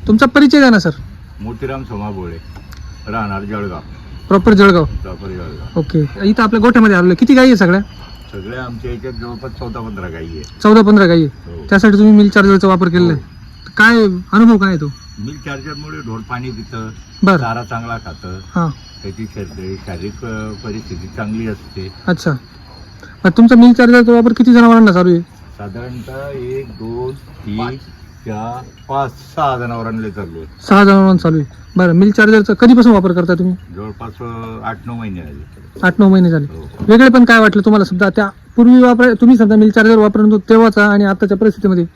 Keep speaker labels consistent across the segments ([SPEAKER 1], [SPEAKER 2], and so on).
[SPEAKER 1] तुमचा परिचय द्या ना सर.
[SPEAKER 2] मोतीराम सोमाबोळे, राहणार जळगाव.
[SPEAKER 1] प्रॉपर जळगाव. ओके. इथं आपल्या गोठ्यामध्ये आलेलं किती गाई आहे सगळ्या?
[SPEAKER 2] सगळ्या आमच्या याच्यात जवळपास 14-15 गाई आहे.
[SPEAKER 1] 14-15 गाई आहे.
[SPEAKER 2] हो.
[SPEAKER 1] त्यासाठी तुम्ही मिल्क चार्जरचा वापर केलेला आहे. काय अनुभव काय आहे तो?
[SPEAKER 2] मिल्क चार्जरमुळे ढोर पाणी पितं,
[SPEAKER 1] बरं.
[SPEAKER 2] चारा चांगला खातं,
[SPEAKER 1] हां.
[SPEAKER 2] त्याची शारीरिक परिस्थिती चांगली असते.
[SPEAKER 1] अच्छा. मग तुमचा मिल्क चार्जरचा वापर किती जनावरांना चालू आहे?
[SPEAKER 2] साधारणतः 1, 2, 3, 4, 5, 6 जनावरांना चालू आहे.
[SPEAKER 1] 6 जनावरांना चालू आहे. बरं. मिल्क चार्जरचा कधीपासून वापर करता तुम्ही?
[SPEAKER 2] जवळपास 8-9 महिने झाले.
[SPEAKER 1] 8-9 महिने झाले.
[SPEAKER 2] हो.
[SPEAKER 1] वेगळे पण काय वाटलं तुम्हाला समजा त्या पूर्वी तुम्ही समजा मिल्क चार्जर वापरत होतो तेव्हाचा आणि आताच्या परिस्थितीमध्ये?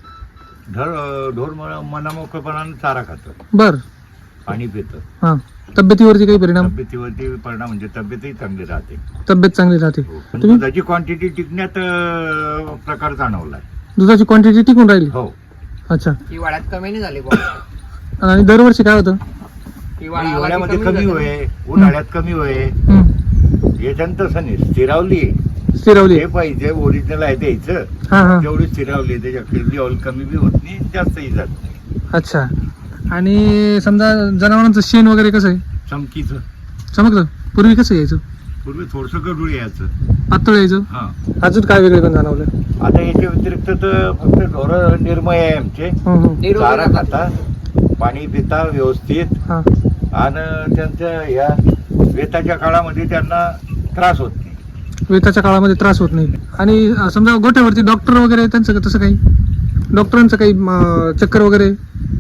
[SPEAKER 2] ढोर मनामोकळेपणाने चारा खातं,
[SPEAKER 1] बर.
[SPEAKER 2] पाणी पितं.
[SPEAKER 1] हां. तब्येतीवरती काही परिणाम?
[SPEAKER 2] तब्येतीवरती परिणाम म्हणजे तब्येतही चांगली राहते.
[SPEAKER 1] तब्येत चांगली राहते.
[SPEAKER 2] पण दुधाची क्वांटिटी टिकण्यात प्रकार जाणवलाय.
[SPEAKER 1] दुधाची क्वांटिटी टिकून राहिली?
[SPEAKER 2] हो.
[SPEAKER 1] अच्छा.
[SPEAKER 3] हिवाळ्यात कमी नाही झाली.
[SPEAKER 1] आणि दरवर्षी काय होतं?
[SPEAKER 2] हिवाळ्यामध्ये कमी होय, उन्हाळ्यात कमी होय. याच्यानं तसं नाही, स्थिरावली हे पाहिजे. ओरिजिनल आहे द्यायचं.
[SPEAKER 1] हां हां.
[SPEAKER 2] जेवढी स्थिरावली त्याच्या लेवल कमी बी होत नाही, जास्तही जात नाही.
[SPEAKER 1] अच्छा. आणि समजा जनावरांचं शेण वगैरे कसं आहे?
[SPEAKER 2] चमकीचं.
[SPEAKER 1] चमकतं? पूर्वी कसं यायचं?
[SPEAKER 2] पूर्वी थोडस गडूळ यायचं,
[SPEAKER 1] पातळ यायचं.
[SPEAKER 2] हा.
[SPEAKER 1] अजून काय वेगळे पण जाणवलं?
[SPEAKER 2] आता याच्या व्यतिरिक्त तर फक्त ढोर निर्मय आहे आमचे. चारा खाता, पाणी पिता व्यवस्थित,
[SPEAKER 1] हां.
[SPEAKER 2] आणि त्यांच्या या वेताच्या काळामध्ये त्यांना त्रास होत नाही.
[SPEAKER 1] वेताच्या काळामध्ये त्रास होत नाही. आणि समजा गोठ्यावरती डॉक्टर वगैरे त्यांचं तसं काही डॉक्टरांचं काही चक्कर वगैरे?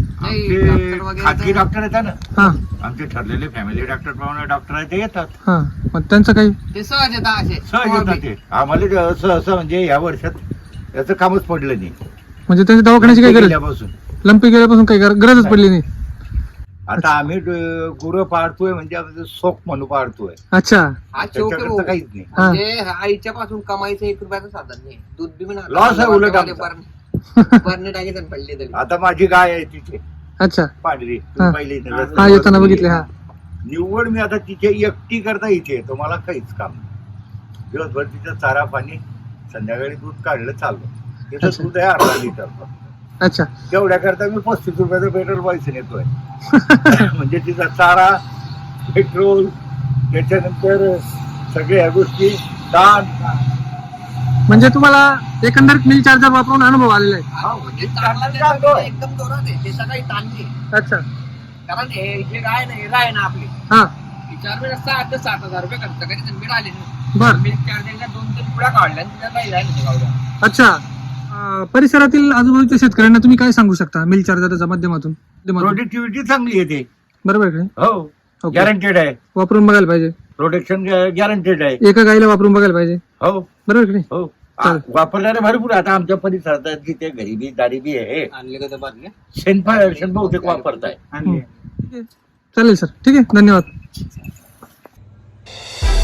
[SPEAKER 2] आमचे खाजगी डॉक्टर येतात ना,
[SPEAKER 1] हां.
[SPEAKER 2] आमचे ठरलेले फॅमिली डॉक्टर प्रमाणे डॉक्टर आहे ते येतात.
[SPEAKER 1] हां. मग त्यांचं काही?
[SPEAKER 3] ते सहज येतात असे.
[SPEAKER 2] सहज येतात ते. आम्हाला असं म्हणजे या वर्षात याचं कामच पडलं नाही.
[SPEAKER 1] म्हणजे त्यांच्या दवाखान्याची काही गरज?
[SPEAKER 2] गेल्यापासून
[SPEAKER 1] लंपी गेल्यापासून काही गरजच पडली नाही.
[SPEAKER 2] आता आम्ही गुरं पाळतोय म्हणजे आमचं शोक म्हणून पाळतोय.
[SPEAKER 1] अच्छा.
[SPEAKER 3] हा चौक आहे भाऊ.
[SPEAKER 2] त्याच्याकडचं काहीच नाही.
[SPEAKER 3] म्हणजे आईच्या पासून कमाईचं 1 रुपयाचं साधन नाही. दूध बी म्हणा
[SPEAKER 2] लॉस आहे उलट आमचा.
[SPEAKER 3] बरणे टाकीत पडले तरी.
[SPEAKER 2] आता माझी गाय आहे तिथे
[SPEAKER 1] अच्छा.
[SPEAKER 2] पांढरी,
[SPEAKER 1] हा.
[SPEAKER 2] पहिली
[SPEAKER 1] हा येताना बघितले. हा.
[SPEAKER 2] निव्वळ मी आता तिथे एकटी करता इथे येतो, मला काहीच काम नाही. दिवसभर तिचं चारा पाणी, संध्याकाळी दूध काढलं चाललं. तिथं
[SPEAKER 1] अच्छा.
[SPEAKER 2] दूध आहे 1/2 लिटर.
[SPEAKER 1] अच्छा.
[SPEAKER 2] तेवढ्या करता मी 35 रुपयाचं पेट्रोल पैसे नेतोय. म्हणजे तिचा चारा, पेट्रोल, त्याच्यानंतर सगळ्या गोष्टी, दान.
[SPEAKER 1] म्हणजे तुम्हाला एकंदरीत मिल चार्जर वापरून अनुभव आलेला आहे?
[SPEAKER 3] म्हणजे चांगला त्याचा एकदम जोरात आहे. ते सगळी ताणली.
[SPEAKER 1] अच्छा.
[SPEAKER 3] कारण हे जे गाय ना, हिरा आहे ना आपली,
[SPEAKER 1] हा.
[SPEAKER 3] 4 वेळा 6 ते 7,000 रुपये खर्च कधी मिळाले नाही.
[SPEAKER 1] बर.
[SPEAKER 3] मिल्क चार्जरच्या 2-3 पुड्या काढल्या आणि तिला काही राहिलं नाही गावड्या.
[SPEAKER 1] अच्छा. परिसरातील आजूबाजूच्या शेतकऱ्यांना तुम्ही काय सांगू शकता मिल चार्जरच्या माध्यमातून?
[SPEAKER 2] प्रोडक्टिव्हिटी चांगली येते.
[SPEAKER 1] बरोबर आहे का?
[SPEAKER 2] हो.
[SPEAKER 1] ओके.
[SPEAKER 2] गॅरंटेड आहे.
[SPEAKER 1] वापरून बघायला पाहिजे.
[SPEAKER 2] प्रोटेक्शन गॅरंटेड आहे.
[SPEAKER 1] एका गाईला वापरून बघायला पाहिजे.
[SPEAKER 2] हो.
[SPEAKER 1] बरोबर की नाही?
[SPEAKER 2] हो.
[SPEAKER 1] चालेल.
[SPEAKER 2] वापरणारे भरपूर आता आमच्या परिसरात जिथे गरिबी दारिबी आहे,
[SPEAKER 3] आणले का ते बादल्या?
[SPEAKER 2] शेण बहुतेक वापरताय.
[SPEAKER 1] ठीक आहे. चालेल सर. ठीक आहे. धन्यवाद.